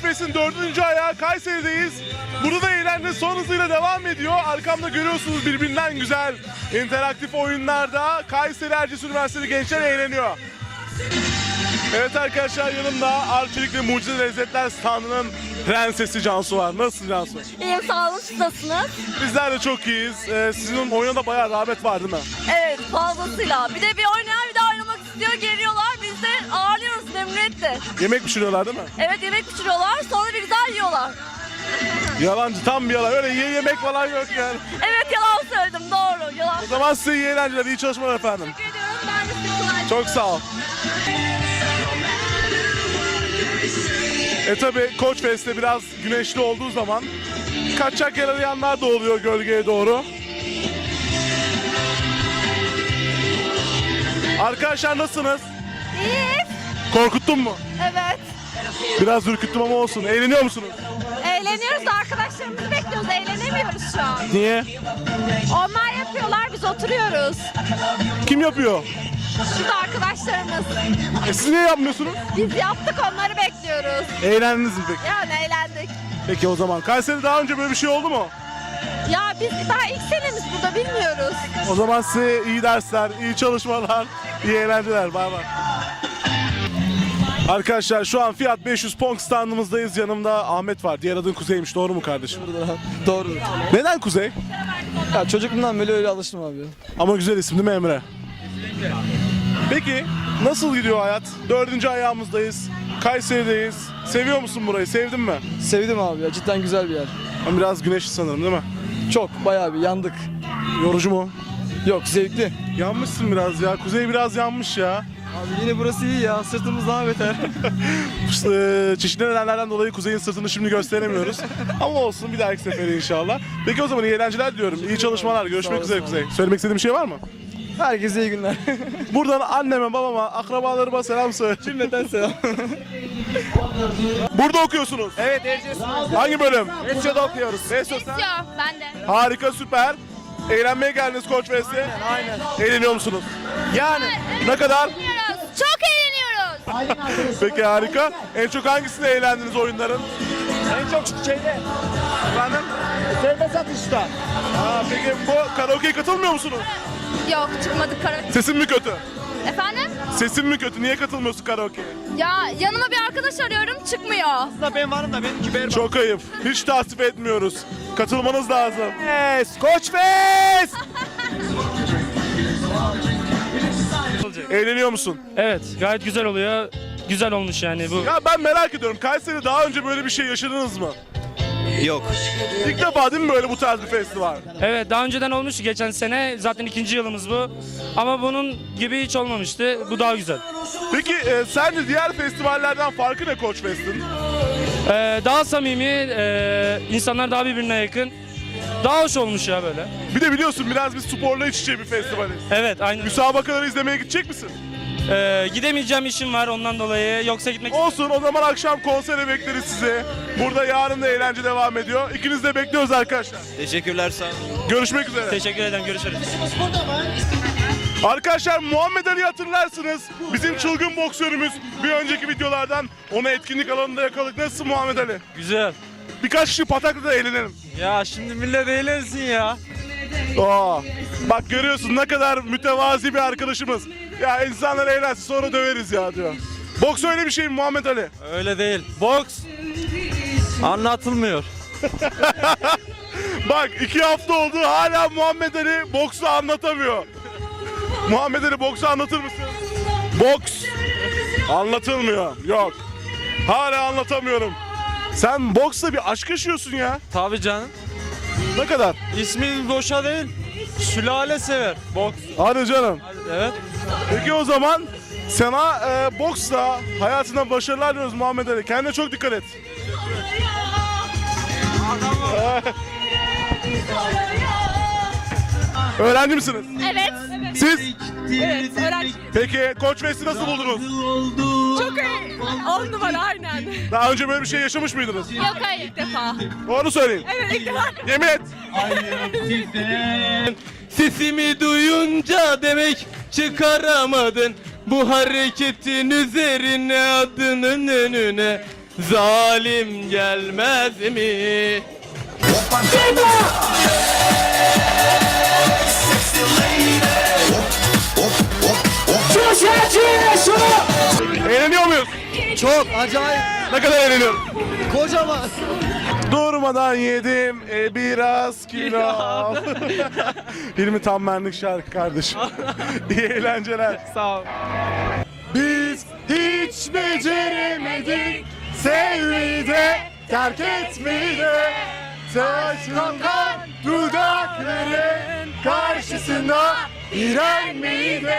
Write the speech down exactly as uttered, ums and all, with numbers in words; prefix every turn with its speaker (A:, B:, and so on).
A: Koç Fest'in dördüncü ayağı Kayseri'deyiz. Burada da eğlence son hızıyla devam ediyor. Arkamda görüyorsunuz birbirinden güzel interaktif oyunlarda Kayseri Erciyes Üniversitesi gençler eğleniyor. Evet arkadaşlar, yanımda Arçelik ve Mucize Lezzetler standının prensesi Cansu var. Nasılsın Cansu?
B: İyiyim, sağ olun. Siz nasılsınız?
A: Bizler de çok iyiyiz. Ee, sizin oyuna da bayağı rağbet var değil mi?
B: Evet, fazlasıyla. Bir de bir oynayan bir de oynamak istiyor, geliyorlar. Biz de ağırlıyoruz memnuniyetle.
A: Yemek pişiriyorlar değil mi?
B: Evet, yemek pişiriyorlar, sonra bir güzel yiyorlar.
A: Yalancı, tam bir yalan. Öyle ye yemek falan yok yani.
B: Evet, yalan söyledim, doğru. Yalan.
A: O zaman size iyi eğlenceler, iyi çalışmalar efendim.
B: Teşekkür ediyorum, ben de size kolay.
A: Çok sağ ol. E tabi Koç Fest'te biraz güneşli olduğu zaman kaçacak yer arayanlar da oluyor gölgeye doğru. Arkadaşlar nasılsınız?
B: İyi.
A: Korkuttun mu?
B: Evet.
A: Biraz ürküttüm ama olsun. Eğleniyor musunuz?
B: Eğleniyoruz da arkadaşlarımızı bekliyoruz, eğlenemiyoruz şu an.
A: Niye?
B: Onlar yapıyorlar, biz oturuyoruz.
A: Kim yapıyor?
B: Şurada arkadaşlarımız.
A: E siz niye yapmıyorsunuz?
B: Biz yaptık, onları bekliyoruz.
A: Eğlendiniz mi peki?
B: Yani eğlendik.
A: Peki o zaman. Kayseri'de daha önce böyle bir şey oldu mu?
B: Ya biz daha ilk senemiz burada, bilmiyoruz.
A: O zaman size iyi dersler, iyi çalışmalar, iyi eğlenceler. Bay bay. Arkadaşlar şu an Fiat beş yüz Pong standımızdayız. Yanımda Ahmet var. Diğer adın Kuzey'miş. Doğru mu kardeşim?
C: Doğru.
A: Neden Kuzey?
C: Ya çocukluğumdan beri öyle alıştım abi.
A: Ama güzel isim değil mi Emre? Peki nasıl gidiyor hayat? Dördüncü ayağımızdayız. Kayseri'deyiz. Seviyor musun burayı? Sevdin mi?
C: Sevdim abi ya, cidden güzel bir yer.
A: Ama biraz güneşli sanırım değil mi?
C: Çok, bayağı bir yandık.
A: Yorucu mu?
C: Yok, zevkli.
A: Yanmışsın biraz ya. Kuzey biraz yanmış ya.
C: Abi yine burası iyi ya, sırtımız daha beter.
A: Eee, Çeşitli nedenlerden dolayı Kuzey'in sırtını şimdi gösteremiyoruz. Ama olsun, bir dahaki sefere inşallah. Peki o zaman iyi eğlenceler diliyorum. İyi çalışmalar. Görüşmek
C: Sağ
A: üzere
C: olasın
A: Kuzey. Söylemek istediğin bir şey var mı?
C: Herkese iyi günler.
A: Buradan anneme, babama, akrabalarıma selam söyle.
C: Cümleten selam.
A: Burada okuyorsunuz.
C: Evet, Erciyes.
A: Hangi bölüm?
C: Esyo'da okuyoruz.
A: Esyo sen?
B: Ben de.
A: Harika, süper. Eğlenmeye geldiniz Koç Fest'e.
C: Aynen.
A: Eğleniyor musunuz?
C: Yani.
A: Ne kadar?
B: Çok eğleniyoruz.
A: Peki harika. En çok hangisinde eğlendiniz oyunların?
C: En çok şeyde.
A: Efendim?
C: Sevme satışta.
A: Aa, peki bu karaoke'ye katılmıyor musunuz?
B: Yok, çıkmadık karaoke.
A: Sesin mi kötü?
B: Efendim?
A: Sesin mi kötü? Niye katılmıyorsun karaoke'ye?
B: Ya yanıma bir arkadaş arıyorum, çıkmıyor.
C: Aslında ben varım da benimki berbat.
A: Çok ayıp. Hiç tasvip etmiyoruz. Katılmanız lazım.
C: Yes, Koç Fest!
A: Eğleniyor musun?
D: Evet, gayet güzel oluyor. Güzel olmuş yani bu.
A: Ya ben merak ediyorum. Kayseri'de daha önce böyle bir şey yaşadınız mı?
E: Yok.
A: İlk defa değil mi böyle bu tarz bir festival?
D: Evet, daha önceden olmuştu geçen sene. Zaten ikinci yılımız bu. Ama bunun gibi hiç olmamıştı. Bu daha güzel.
A: Peki e, sence diğer festivallerden farkı ne Koç Fest'in?
D: Ee, daha samimi, e, insanlar daha birbirine yakın. Daha hoş olmuş ya böyle.
A: Bir de biliyorsun biraz biz sporla iç içe bir festivaliz.
D: Evet, aynen.
A: Müsabakaları izlemeye gidecek misin?
D: Ee, gidemeyeceğim işim var ondan dolayı. Yoksa gitmek
A: Olsun, o zaman akşam konsere bekleriz sizi. Burada yarın da eğlence devam ediyor. İkinizi de bekliyoruz arkadaşlar.
E: Teşekkürler, sağ olun.
A: Görüşmek üzere.
D: Teşekkür ederim, görüşürüz.
A: Arkadaşlar Muhammed Ali'yi hatırlarsınız. Bizim çılgın boksörümüz. Bir önceki videolardan onu etkinlik alanında yakaladık. Nasılsın Muhammed Ali?
D: Güzel.
A: Birkaç kişi patakla da eğlenelim.
D: Ya şimdi millet eğlensin ya.
A: Aa, bak görüyorsun ne kadar mütevazi bir arkadaşımız. Ya insanlar eğlensin sonra döveriz ya diyor. Boks öyle bir şey mi Muhammed Ali?
D: Öyle değil. Boks anlatılmıyor.
A: Bak iki hafta oldu hala Muhammed Ali boksu anlatamıyor. Muhammed Ali boksu anlatır mısın? Boks anlatılmıyor. Yok. Hala anlatamıyorum. Sen boksla bir aşk yaşıyorsun ya.
D: Tabii canım.
A: Ne kadar?
D: İsmi boşa değil. Sülale sever. Boks.
A: Hadi canım.
D: Evet.
A: Peki o zaman sana e, boksla hayatında başarılar diliyoruz Muhammed Ali. Kendine çok dikkat et. Öğrenci misiniz?
B: Evet.
A: Siz?
B: Evet, öğrenci.
A: Peki Koç Fest'i nasıl buldunuz?
B: Çok iyi. On numara, aynen.
A: Daha önce böyle bir şey yaşamış mıydınız?
B: Yok, hayır, ilk defa.
A: Doğru söyleyin.
B: Evet, ilk defa.
A: Yemin et.
F: Sesimi duyunca demek çıkaramadın bu hareketin üzerine adının önüne zalim gelmez mi?
A: Eğleniyor muyuz?
C: Çok acayip.
A: Ne kadar eğleniyorum?
C: Kocaman.
A: Durmadan yedim e, biraz kilo. Hilmi tam benlik şarkı kardeşim. İyi eğlenceler.
F: Sağ ol.
A: Biz hiç beceremedik sevmeyi de terk etmeyi de. Saçmakan dudakların karşısında direnmeyi de.